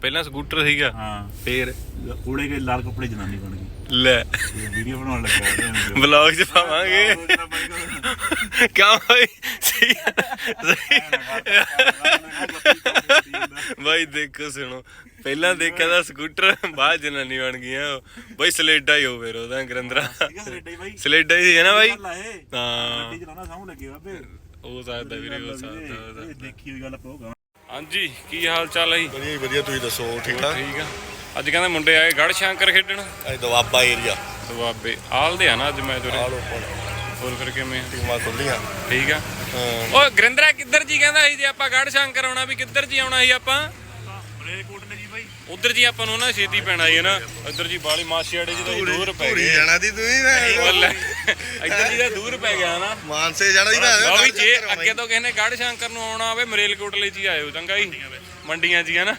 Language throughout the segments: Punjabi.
ਪਹਿਲਾਂ ਸਕੂਟਰ ਸੀਗਾ ਫੇਰ ਕੂੜੇ ਕੇ ਲਾਲ ਕੱਪੜੇ ਜਨਾਨੀ ਬਣ ਗਈ ਲੈ ਵੀਡੀਓ ਬਣਾਉਣ ਲੱਗਾ ਵਲੌਗ ਚ ਪਾਵਾਂਗੇ ਕਿਉਂ ਬਾਈ ਸਹੀ ਬਾਈ ਦੇਖੋ ਸੁਣੋ ਪਹਿਲਾਂ ਦੇਖਿਆ ਤਾਂ ਸਕੂਟਰ ਬਾਅਦ ਜਨਾਨੀ ਬਣ ਗਈਆਂ ਬਾਈ ਸਲੇਡਾ ਹੀ ਹੋ ਫੇਰ ਉਹਦਾ ਗਰਿੰਦਰਾ ਸਲੇਡਾ ਹੀ ਹੈ ਨਾ ਬਾਈ ਹਾਂ ਹੋ ਸਕਦਾ ਵੀਰੇ ਹੋ ਸਕਦਾ ਦੇਖੀ ਹੋਈ ਗੱਲ ਪਊਗਾ। ਹਾਂਜੀ ਕੀ ਹਾਲ ਚਾਲ ਹੈ ਜੀ? ਵਧੀਆ ਵਧੀਆ ਤੁਸੀਂ ਦੱਸੋ ਠੀਕ ਠਾਕ? ਠੀਕ ਆ। ਅੱਜ ਕਹਿੰਦੇ ਮੁੰਡੇ ਆਏ ਗੜ੍ਹ ਸ਼ੰਕਰ ਖੇਡਣ ਅੱਜ ਦੁਆਬਾ ਏਰੀਆ ਦੁਆਬੇ ਆਲਦੇ ਆ ਨਾ ਅੱਜ ਮੈਚ ਉਰੇ ਆਲ ਓਪਨ ਹੋਰ ਫਿਰ ਕਿਵੇਂ ਟੀਮਾਂ ਖੁੱਲੀਆਂ। ਠੀਕ ਆ। ਓ ਗਰਿੰਦਰਾ ਕਿੱਧਰ ਜੀ ਕਹਿੰਦਾ ਸੀ ਜੇ ਆਪਾਂ ਗੜ੍ਹ ਸ਼ੰਕਰ ਆਉਣਾ ਵੀ ਕਿੱਧਰ ਜੀ ਆਉਣਾ ਸੀ ਆਪਾਂ ਮਲੇਰਕੋਟ ਨੇ ਜੀ ਬਾਈ ਉਧਰ ਜੀ ਆਪਾਂ ਨੂੰ ਨਾ ਛੇਤੀ ਪੈਣਾ ਸੀ ਨਾ ਇੱਧਰ ਜੀ ਬਾਲੀ ਮਾਸੀਆੜੇ ਜੀ ਦਾ ਦੂਰ ਪੈ ਧੂਰੀ ਗਿਆ ਜਾਣਾ ਦੀ ਤੁਸੀਂ ਇੱਧਰ ਜੀ ਦਾ ਦੂਰ ਪੈ ਗਿਆ ਨਾ ਮਾਨਸੇ ਜਾਣਾ ਦੀ ਲਓ ਵੀ ਜੇ ਅੱਗੇ ਤੋਂ ਕਿਸੇ ਨੇ ਗੜ੍ਹ ਸ਼ੰਕਰ ਨੂੰ ਆਉਣਾ ਹੋਵੇ ਮਰੇਲਕੋਟਲੇ ਚ ਹੀ ਆਇਓ ਚੰਗਾ ਜੀ ਮੰਡੀਆਂ ਚ ਹੀ ਹੈ ਨਾ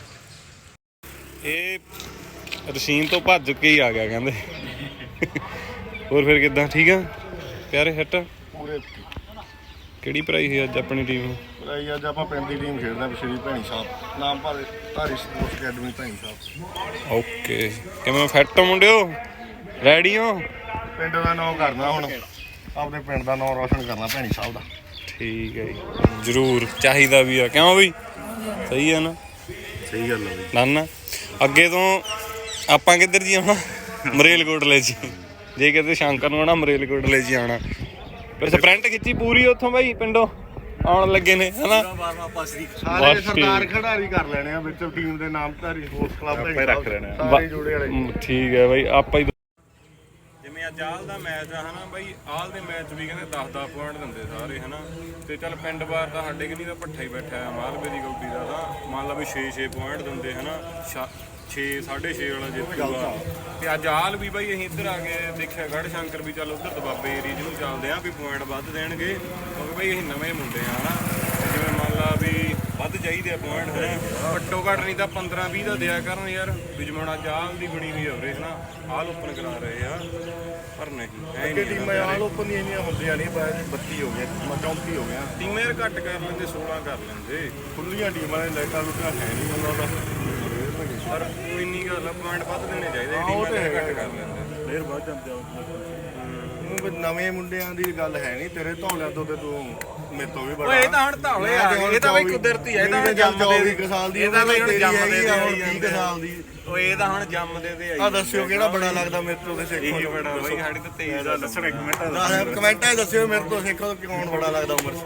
ਇਹ ਰਸ਼ੀਨ ਤੋਂ ਭੱਜ ਕੇ ਹੀ ਆ ਗਿਆ ਕਹਿੰਦੇ ਹੋਰ ਫਿਰ ਕਿੱਦਾਂ ਠੀਕ ਆ ਪਿਆਰੇ ਹਿੱਟ ਪੂਰੇ ਕਿਹੜੀ ਪ੍ਰਾਈਸ ਸੀ ਅੱਜ ਆਪਣੀ ਟੀਮ ਨੂੰ ਭਾਈ ਅੱਜ ਆਪਾਂ ਪਿੰਡ ਦੀ ਟੀਮ ਖੇਡਦੇ ਹਾਂ ਸ਼੍ਰੀ Bhaini Sahib Namdhari sports academy Bhaini Sahib. Okay ਕਿਵੇਂ ਫਿੱਟ ਹੋ ਮੁੰਡਿਓ ਰੈਡੀ ਹੋ ਪਿੰਡ ਦਾ ਨਾਮ ਕਰਨਾ ਹੁਣ ਆਪਣੇ ਪਿੰਡ ਦਾ ਨਾਮ ਰੋਸ਼ਨ ਕਰਨਾ ਭੈਣੀ ਸਾਹਿਬ ਦਾ। ਠੀਕ ਹੈ ਜੀ ਜ਼ਰੂਰ ਚਾਹੀਦਾ ਵੀ ਆ ਕਿਉਂ ਬਈ ਸਹੀ ਆ ਨਾ ਸਹੀ ਗੱਲ ਹੈ ਨਾ ਨਾ ਅੱਗੇ ਤੋਂ ਆਪਾਂ ਕਿੱਧਰ ਜੀ ਆਉਣਾ ਮਰੇਲਕੋਟਲੇ 'ਚ ਜੇ ਕਿਤੇ ਸ਼ੰਕਰ ਨੂੰ ਆਉਣਾ ਮਰੇਲਕੋਟਲੇ 'ਚ ਆਉਣਾ ਫਿਰ ਸਪ੍ਰਿੰਟ ਖਿੱਚੀ ਪੂਰੀ ਉੱਥੋਂ ਬਾਈ ਪਿੰਡੋਂ ਆਉਣ ਲੱਗੇ ਨੇ ਹਨਾ ਸਾਰੇ ਸਰਦਾਰ ਖਿਡਾਰੀ ਕਰ ਲੈਣੇ ਆ ਵਿੱਚ ਟੀਮ ਦੇ ਨਾਮ ਧਾਰੀ ਸਪੋਰਟਸ ਕਲੱਬ ਭੈਣੀ ਰੱਖ ਲੈਣੇ ਆ ਸਾਰੇ ਜੁੜੇ ਵਾਲੇ। ਠੀਕ ਹੈ ਬਾਈ ਆਪਾਂ ਹੀ ਜਿਵੇਂ ਅੱਜ ਆਲ ਦਾ ਮੈਚ ਆ ਹਨਾ ਬਾਈ ਆਲ ਦੇ ਮੈਚ ਵੀ ਕਹਿੰਦੇ 10-10 ਪੁਆਇੰਟ ਦਿੰਦੇ ਸਾਰੇ ਹਨਾ ਤੇ ਚੱਲ ਪਿੰਡ ਬਾਰ ਤਾਂ ਸਾਡੇ ਕਿ ਨਹੀਂ ਤਾਂ ਭੱਠਾ ਹੀ ਬੈਠਾ ਆ ਮਾਲਵੇ ਦੀ ਗੌਡੀ ਦਾ ਤਾਂ ਮੰਨ ਲਾ ਵੀ 6-6 ਪੁਆਇੰਟ ਦਿੰਦੇ ਹਨਾ 6.5 ਵਾਲਾ ਜਿੱਤੂਗਾ ਤੇ ਅੱਜ ਆਲ ਵੀ ਬਾਈ ਅਸੀਂ ਇੱਧਰ ਆ ਕੇ ਦੇਖਿਆ ਗੜ੍ਹ ਸ਼ੰਕਰ ਵੀ ਚੱਲ ਉੱਧਰ ਦੁਆਬੇ ਏਰੀਏ ਨੂੰ ਚੱਲਦੇ ਆ ਵੀ ਪੁਆਇੰਟ ਵੱਧ ਦੇਣਗੇ ਕਿਉਂਕਿ ਬਾਈ ਅਸੀਂ ਨਵੇਂ ਮੁੰਡੇ ਆ ਹਨਾ ਜਿਵੇਂ ਮੰਨ ਲਾ ਵੀ ਵੱਧ ਚਾਹੀਦੇ ਆ ਪੁਆਇੰਟ ਹਨਾ ਘੱਟੋ ਘੱਟ ਨਹੀਂ ਤਾਂ 15-20 ਦਾ ਦਿਆ ਕਰਨ ਯਾਰ ਵੀ ਜਿਵੇਂ ਅੱਜ ਆਲ ਦੀ ਬਣੀ ਹੋਈ ਹੋਵੇ ਹਨਾ ਆਲ ਓਪਨ ਕਰਾ ਰਹੇ ਆ ਪਰ ਨਹੀਂ ਅੱਗੇ ਟੀਮਾਂ ਆਲ ਓਪਨ ਦੀਆਂ ਇੰਨੀਆਂ ਹੁੰਦੀਆਂ ਨਹੀਂ ਬਾਅਦ 32 ਹੋ ਗਈਆਂ 34 ਹੋ ਗਈਆਂ ਟੀਮਾਂ ਯਾਰ ਘੱਟ ਕਰ ਲੈਂਦੇ 16 ਕਰ ਲੈਂਦੇ ਖੁੱਲੀਆਂ ਟੀਮਾਂ ਨੇ ਲਾਈਟਾਂ ਲੁੱਟਾਂ ਹੈ ਨਹੀਂ ਉਹਨਾਂ ਦਾ ਪਰ ਕੋਈ ਇੰਨੀ ਗੱਲ ਆ ਪੁਆਇੰਟ ਵੱਧ ਦੇਣੇ ਚਾਹੀਦੇ ਟੀਮਾਂ ਘੱਟ ਕਰ ਲੈਂਦੇ ਫੇਰ ਵੱਧ ਜਾਂਦੇ ਉਹ ਨਵੇਂ ਮੁੰਡਿਆਂ ਦੀ ਗੱਲ ਹੈ ਨਹੀਂ ਤੇਰੇ ਧੌਲਿਆਂ ਤੋਂ ਤੇ ਤੂੰ ਮੇਰੇ ਤੋਂ ਵੀ ਬੜਾ ਓਏ ਇਹ ਤਾਂ ਹੁਣ ਧੌਲੇ ਆ ਗਏ ਇਹ ਤਾਂ ਬਈ ਕੁਦਰਤੀ ਹੈ ਇਹ ਤਾਂ ਹੁਣ ਜੰਮਦੇ 24 ਸਾਲ ਦੀ ਇਹ ਤਾਂ ਬਈ ਹੁਣ ਜੰਮਦੇ ਤੇ ਹੁਣ 30 ਸਾਲ ਦੀ ਓਏ ਇਹ ਤਾਂ ਹੁਣ ਜੰਮਦੇ ਤੇ ਆਈ ਆ ਦੱਸਿਓ ਕਿਹੜਾ ਬੜਾ ਲੱਗਦਾ ਮੇਰੇ ਤੋਂ ਤੇ ਸਿੱਖੋ ਇਹ ਬੜਾ ਬਈ ਸਾਡੀ ਤਾਂ 23 ਦਾ ਦੱਸਣਾ ਕਮੈਂਟਾਂ 'ਚ ਦੱਸਿਓ ਮੇਰੇ ਤੋਂ ਸਿੱਖੋ ਕੌਣ ਬੜਾ ਲੱਗਦਾ ਉਮਰ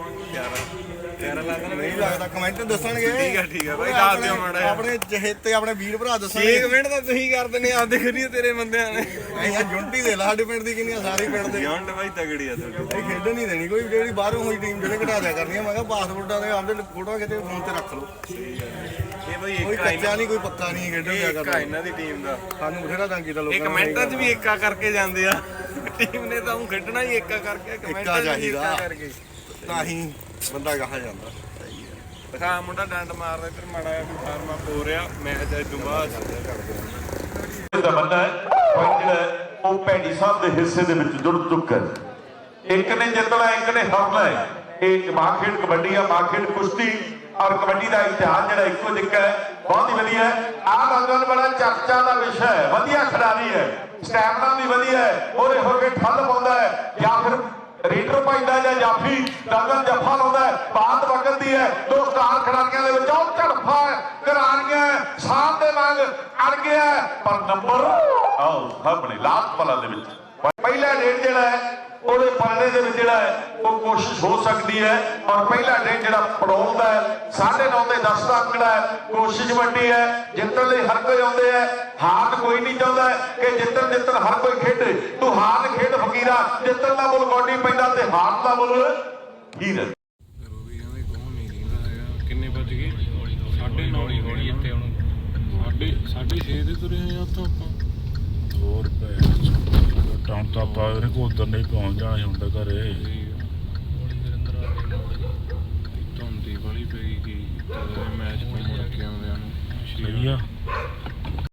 11 ਲੱਗਦਾ ਨਹੀਂ ਲੱਗਦਾ ਕਮੈਂਟ ਦੱਸਣਗੇ ਠੀਕ ਆ ਬਈ ਦੱਸ ਦਿਓ ਮਾੜਾ ਆਪਣੇ ਚਹੇਤੇ ਆਪਣੇ ਵੀਰ ਭਰਾ ਦੱਸਣਗੇ 6 ਮਿੰਟ ਤਾਂ ਤੁਸੀਂ ਕਰ ਦਿੰਦੇ ਆਪਦੇ ਖਰੀਏ ਤੇਰੇ ਬੰਦਿਆਂ ਨੇ ਇਹ ਜੁੰਟੀ ਦੇ ਲਾ ਸਾਡੇ ਪਿੰਡ ਦੀ ਕਿੰਨੀਆਂ ਸਾਰੇ ਪਿੰਡ ਦੇ ਜੌਂਡ ਬਾਈ ਤਗੜੀ ਆ ਤੁਹਾਡੀ ਇਹ ਖੇਡਣ ਨਹੀਂ ਦੇਣੀ ਕੋਈ ਜਿਹੜੀ ਬਾਹਰੋਂ ਹੋਈ ਟੀਮ ਜਿਹੜੇ ਘਟਾ ਦਿਆ ਕਰਨੀ ਮੈਂ ਕਿਹਾ ਪਾਸਪੋਰਟਾਂ ਦੇ ਆਪਦੇ ਫੋਟੋ ਕਿਤੇ ਫੋਨ ਤੇ ਰੱਖ ਲਓ ਇਹ ਬਈ ਕੋਈ ਇੱਕ ਕੱਚਾ ਨਹੀਂ ਕੋਈ ਪੱਕਾ ਨਹੀਂ ਖੇਡਣ ਦਿਆ ਇੱਕ ਕਰਨਾ ਇਹਨਾਂ ਦੀ ਟੀਮ ਦਾ ਸਾਨੂੰ ਬਥੇਰਾ ਤੰਗ ਕੀਤਾ ਲੋਕਾਂ ਇਹ ਕਮੈਂਟਾਂ 'ਚ ਵੀ ਏਕਾ ਕਰਕੇ ਜਾਂਦੇ ਆ ਟੀਮ ਨੇ ਤਾਂ ਉਹ ਖੇਡਣਾ ਹੀ ਏਕਾ ਕਰਕੇ ਕਮੈਂਟਾਂ 'ਚ ਵੀ ਏਕਾ ਕਰਕੇ ਤਾਂ ਹੀ ਬੰਦਾ ਕਹਾ ਜਾਂਦਾ ਦਿਖਾ ਮੁੰਡਾ ਡੰਡ ਮਾਰਦਾ ਇੱਧਰ ਮਾੜਾ ਜਿਹਾ ਫਾਰਮਾ ਪੋ ਰਿਹਾ ਮੈਚ ਇਸ ਤੋਂ ਬਾਅਦ ਦਾ ਬੰਦਾ ਹੈ ਜਿਹੜਾ ਉਹ ਭੈਣੀ ਸਾਹਿਬ ਦੇ ਹਿੱਸੇ ਦੇ ਵਿੱਚ ਜੁੜ ਚੁੱਕਾ ਹੈ ਇੱਕ ਨੇ ਜਿੱਤਣਾ ਇੱਕ ਨੇ ਹਾਰਨਾ ਹੈ ਇਹ ਮਾਂ ਖੇਡ ਕਬੱਡੀ ਆ ਮਾਂ ਖੇਡ ਕੁਸ਼ਤੀ ਔਰ ਕਬੱਡੀ ਦਾ ਇਤਿਹਾਸ ਜਿਹੜਾ ਇੱਕੋ ਜਿਹਾ ਹੈ ਬਹੁਤ ਹੀ ਵਧੀਆ ਹੈ ਆਹ ਨੌਜਵਾਨ ਬੜਾ ਚਰਚਾ ਦਾ ਵਿਸ਼ਾ ਹੈ ਵਧੀਆ ਖਿਡਾਰੀ ਹੈ ਸਟੈਮਿਨਾ ਵੀ ਵਧੀਆ ਹੈ ਉਹਦੇ ਹੋ ਕੇ ਠੱਲ ਪਾਉਂਦਾ ਹੈ ਜਾਂ ਫਿਰ ਰੀਡਰ ਪਾਈਦਾ ਜਾਂ ਜਾਫੀ ਡੰਗਲ ਜੱਫਾ ਲਾਉਂਦਾ ਹੈ ਬਾਤ ਵਗਦੀ ਹੈ ਦੋ ਸਟਾਰ ਖਿਡਾਰੀਆਂ ਦੇ ਵਿੱਚ ਉਹ ਝੜਫਾ ਕਰਾਰੀਆਂ ਸਾਹ ਦੇ ਵਾਂਗ ਅੜ ਗਿਆ ਪਰ ਨੰਬਰ ਆਓ ਸਾਹਮਣੇ ਲਾਸਟ ਵਾਲਾ ਦੇ ਵਿੱਚ ਪਹਿਲਾ ਡੇਟ ਜਿਹੜਾ ਹੈ ਉਹਦੇ ਪਰਦੇ ਦੇ ਵਿੱਚ ਜਿਹੜਾ ਹੈ ਉਹ ਕੋਸ਼ਿਸ਼ ਹੋ ਸਕਦੀ ਹੈ ਔਰ ਪਹਿਲਾ ਡੇਟ ਜਿਹੜਾ ਪੜਾਉਂਦਾ ਹੈ 9.5 ਤੇ 10 ਦਾ ਅੰਕੜਾ ਹੈ ਕੋਸ਼ਿਸ਼ ਵੱਡੀ ਹੈ ਜਿੱਤਣ ਲਈ ਹਰ ਕੋਈ ਆਉਂਦੇ ਹੈ ਹਾਰ ਕੋਈ ਨਹੀਂ ਚਾਹੁੰਦਾ ਕਿ ਜਿੱਤਣ ਹਰ ਕੋਈ ਖੇਡੇ ਤੂੰ ਹਾਰ ਖੇਡ ਫਕੀਰਾ ਜਿੱਤਣ ਦਾ ਮੁੱਲ ਗੋਡੀ ਪੈਂਦਾ ਤੇ ਹਾਰ ਦਾ ਮੁੱਲ ਹੀਰ ਹੈ ਕਿੰਨੇ ਵੱਜ ਗਏ 9:30 ਹੋਣੀ ਇੱਥੇ ਹੁਣ 6:30 ਦੇ ਤੁਰੇ ਆ ਉੱਥੋਂ ਆਪਾਂ ਹੋਰ ਟਾਉਂ ਤਾਂ ਆਪਾਂ ਇਹਨੇ ਕੋ ਉਧਰ ਨਹੀਂ ਪਹੁੰਚ ਜਾਣਾ ਹੁੰਦਾ ਘਰੇ ਧੁੰਦੀ ਵਾਲੀ ਪਈ ਗਈ ਮੈਚ ਤੋਂ ਮੁੜ ਕੇ ਆਉਂਦਿਆਂ ਨੂੰ ਸਹੀ ਆ